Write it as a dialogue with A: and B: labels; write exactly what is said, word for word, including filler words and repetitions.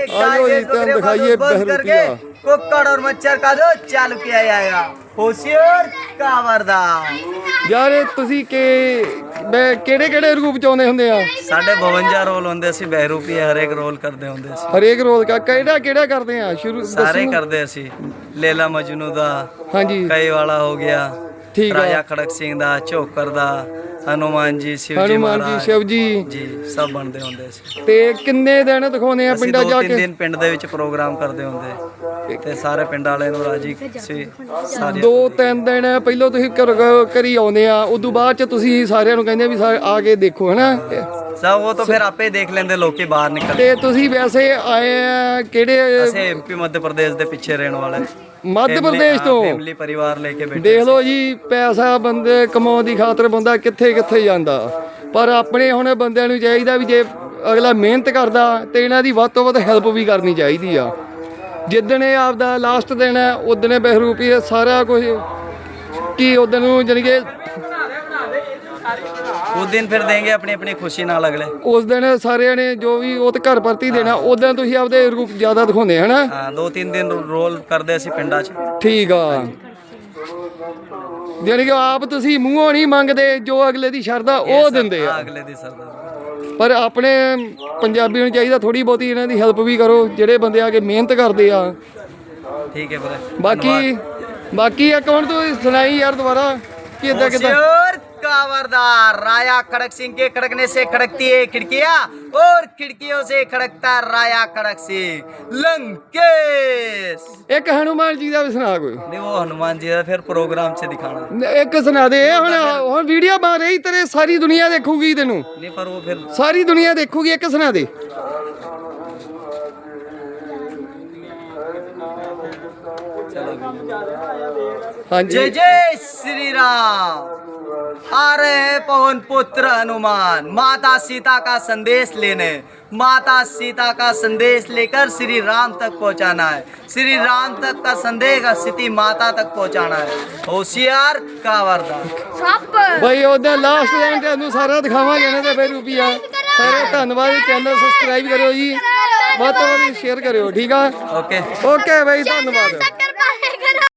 A: आओ जी तुम दिखाइए बहरूपिया
B: कुक्कड़ और मच्छर का जो चालू किया जाएगा होशियार कावरदार
A: यार ਤੁਸੀਂ ਕਿ ਮੈਂ ਕਿਹੜੇ ਕਿਹੜੇ ਰੂਪ ਚ ਆਉਂਦੇ ਹੁੰਦੇ ਆ
B: ਸਾਡੇ ਬਵੰਜਾ ਰੋਲ ਹੁੰਦੇ ਸੀ ਬਹਿਰੂਪੀ ਹਰੇਕ ਰੋਲ ਕਰਦੇ ਹੁੰਦੇ ਸੀ
A: ਹਰੇਕ ਰੋਲ ਦਾ ਕਿਹੜਾ ਕਿਹੜਾ ਕਰਦੇ ਆ ਸ਼ੁਰੂ
B: ਸਾਰੇ ਕਰਦੇ ਸੀ ਲੇਲਾ ਮਜਨੂ ਦਾ
A: ਹਾਂਜੀ
B: ਕਈ ਵਾਲਾ ਹੋ ਗਿਆ
A: ਠੀਕ ਆ
B: ਰਾਜਾ ਖੜਕ ਸਿੰਘ ਦਾ ਝੋਕਰ ਦਾ ਹਨੂਮਾਨ ਜੀ ਸ਼ਿਵ ਜੀ
A: ਹਨੂਮਾਨ ਜੀ
B: ਮਹਾਰਾਜ
A: ਸ਼ਿਵ ਜੀ
B: ਜੀ ਸਭ ਬਣਦੇ ਹੁੰਦੇ ਸੀ
A: ਤੇ ਕਿੰਨੇ ਦਿਨ ਦਿਖਾਉਂਦੇ ਆ
B: ਅਸੀਂ
A: ਪਿੰਡਾਂ
B: ਦੋ
A: ਜਾ
B: ਤਿੰਨ
A: ਕੇ
B: ਦਿਨ ਪਿੰਡ ਦੇ ਵਿੱਚ ਪ੍ਰੋਗਰਾਮ ਕਰਦੇ ਹੁੰਦੇ ਤੇ ਸਾਰੇ ਪਿੰਡ ਵਾਲਿਆਂ ਨੂੰ ਰਾਜੀ ਸੀ ਸਾਰੇ
A: ਦੋ ਤਿੰਨ ਦਿਨ ਪਹਿਲਾਂ ਤੁਸੀਂ ਘਰ ਘਰੀ ਆਉਂਦੇ ਆ ਉਦੋਂ ਬਾਅਦ ਚ ਤੁਸੀਂ ਸਾਰਿਆਂ ਨੂੰ ਕਹਿੰਦੇ ਵੀ ਸਾ- ਆ ਕੇ ਦੇਖੋ ਹਨਾ
B: ਸਭ ਉਹ ਤਾਂ ਫਿਰ ਆਪੇ ਦੇਖ ਲੈਂਦੇ ਲੋਕੀ ਬਾਹਰ ਨਿਕਲ
A: ਤੇ ਤੁਸੀਂ ਵੈਸੇ ਆਏ ਆ ਕਿਹੜੇ
B: ਅਸੀਂ ਐਮਪੀ ਮੱਧ ਪ੍ਰਦੇਸ਼ ਦੇ ਪਿੱਛੇ ਰਹਿਣ ਵਾਲੇ
A: ਮੱਧ ਪ੍ਰਦੇਸ਼ ਤੋਂ
B: ਫੈਮਿਲੀ ਪਰਿਵਾਰ ਲੈ ਕੇ ਬੈਠੇ
A: ਦੇਖ ਲਓ ਜੀ ਪੈਸਾ ਬੰਦੇ ਕਮਾਉਣ ਦੀ ਖਾਤਰ ਬੰਦਾ ਕਿੱਥੇ ਕਿੱਥੇ ਜਾਂਦਾ ਪਰ ਆਪਣੇ ਹੁਣ ਬੰਦਿਆਂ ਨੂੰ ਚਾਹੀਦਾ ਵੀ ਜੇ ਅਗਲਾ ਮਿਹਨਤ ਕਰਦਾ ਤੇ ਇਹਨਾਂ ਦੀ ਵੱਧ ਤੋਂ ਵੱਧ ਹੈਲਪ ਵੀ ਕਰਨੀ ਚਾਹੀਦੀ ਆ ਜਿੱਦਣ ਇਹ ਆਪਦਾ ਲਾਸਟ ਦਿਨ ਹੈ ਉਦਣ ਬਹਿਰੂਪੀ ਸਾਰਾ ਕੁਝ ਕੀ ਉਦਣ ਨੂੰ ਜਾਣੀ ਕਿ
B: ਉਸ ਦਿਨ ਫਿਰ ਦੇਂਗੇ ਆਪਣੀ ਆਪਣੀ ਖੁਸ਼ੀ ਨਾਲ ਅਗਲੇ
A: ਉਸ ਦਿਨ ਸਾਰਿਆਂ ਨੇ ਜੋ ਵੀ ਉਹ ਤੇ ਘਰ ਪਰਤੀ ਦੇਣਾ ਉਦੋਂ ਤੁਸੀਂ ਆਪਦੇ ਰੂਪ ਜ਼ਿਆਦਾ ਦਿਖਾਉਂਦੇ ਹਨਾ
B: ਹਾਂ ਦੋ ਤਿੰਨ ਦਿਨ ਰੋਲ ਕਰਦੇ ਅਸੀਂ ਪਿੰਡਾਂ 'ਚ
A: ਠੀਕ ਆ ਜਾਣੀ ਕਿ ਆਪ ਤੁਸੀਂ ਮੂੰਹੋਂ ਨਹੀਂ ਮੰਗਦੇ ਜੋ ਅਗਲੇ ਦੀ ਸ਼ਰਧਾ ਉਹ ਦਿੰਦੇ ਆ
B: ਅਗਲੇ ਦੀ ਸਰਦਾਰ
A: ਪਰ ਆਪਣੇ ਪੰਜਾਬੀਆਂ ਨੂੰ ਚਾਹੀਦਾ ਥੋੜੀ ਬਹੁਤੀ ਇਹਨਾਂ ਦੀ ਹੈਲਪ ਵੀ ਕਰੋ ਜਿਹੜੇ ਬੰਦੇ ਆ ਕੇ ਮਿਹਨਤ ਕਰਦੇ ਆ
B: ਠੀਕ ਹੈ ਵੀਰੇ
A: ਬਾਕੀ ਬਾਕੀ ਇੱਕ ਹੁਣ ਤੂੰ ਸੁਣਾਈ ਯਾਰ ਦੁਬਾਰਾ ਕਿ ਇਦਾਂ ਕਿਦਾਂ
B: होशियार कावरदार राया खड़क सिंह के खड़कने से खड़कती है खिड़कियां और खिड़कियों से खड़कता राया खड़क सिंह लंकेश
A: ਇੱਕ ਹਨੂਮਾਨ ਜੀ ਦਾ ਵੀ ਸੁਣਾ ਕੋਈ
B: नहीं वो हनुमान जी का फिर प्रोग्राम से दिखाना
A: ਇੱਕ ਸੁਣਾ ਦੇ ਹੁਣ ਹੁਣ ਵੀਡੀਓ ਬਣ ਰਹੀ ਤੇਰੇ ਸਾਰੀ ਦੁਨੀਆ ਦੇਖੂਗੀ ਤੈਨੂੰ
B: नहीं पर वो फिर
A: ਸਾਰੀ ਦੁਨੀਆ ਦੇਖੂਗੀ ਇੱਕ ਸੁਣਾ ਦੇ ਹਾਂਜੀ
B: जय जय श्री राम आ रहे हैं पवन पुत्र हनुमान माता सीता का संदेश लेने माता सीता का संदेश लेकर श्री राम तक पहुंचाना है श्री राम तक का संदेश स्थिति माता तक पहुंचाना है होशियार कावरदार
A: ਭਾਈ ਉਹਦਾ ਲਾਸਟ ਦਿਨ ਤੁਹਾਨੂੰ ਸਾਰਾ ਦਿਖਾਵਾਂਗੇ ਇਹਨਾਂ ਦੇ ਬਹਿਰੂਪੀਆ ਸਾਰੇ ਧੰਨਵਾਦ ਚੈਨਲ ਸਬਸਕ੍ਰਾਈਬ ਕਰਿਓ ਜੀ ਵੱਧ ਤੋਂ ਵੱਧ ਸ਼ੇਅਰ ਕਰਿਓ ਠੀਕ ਆ
B: ओके
A: ਓਕੇ ਭਾਈ ਧੰਨਵਾਦ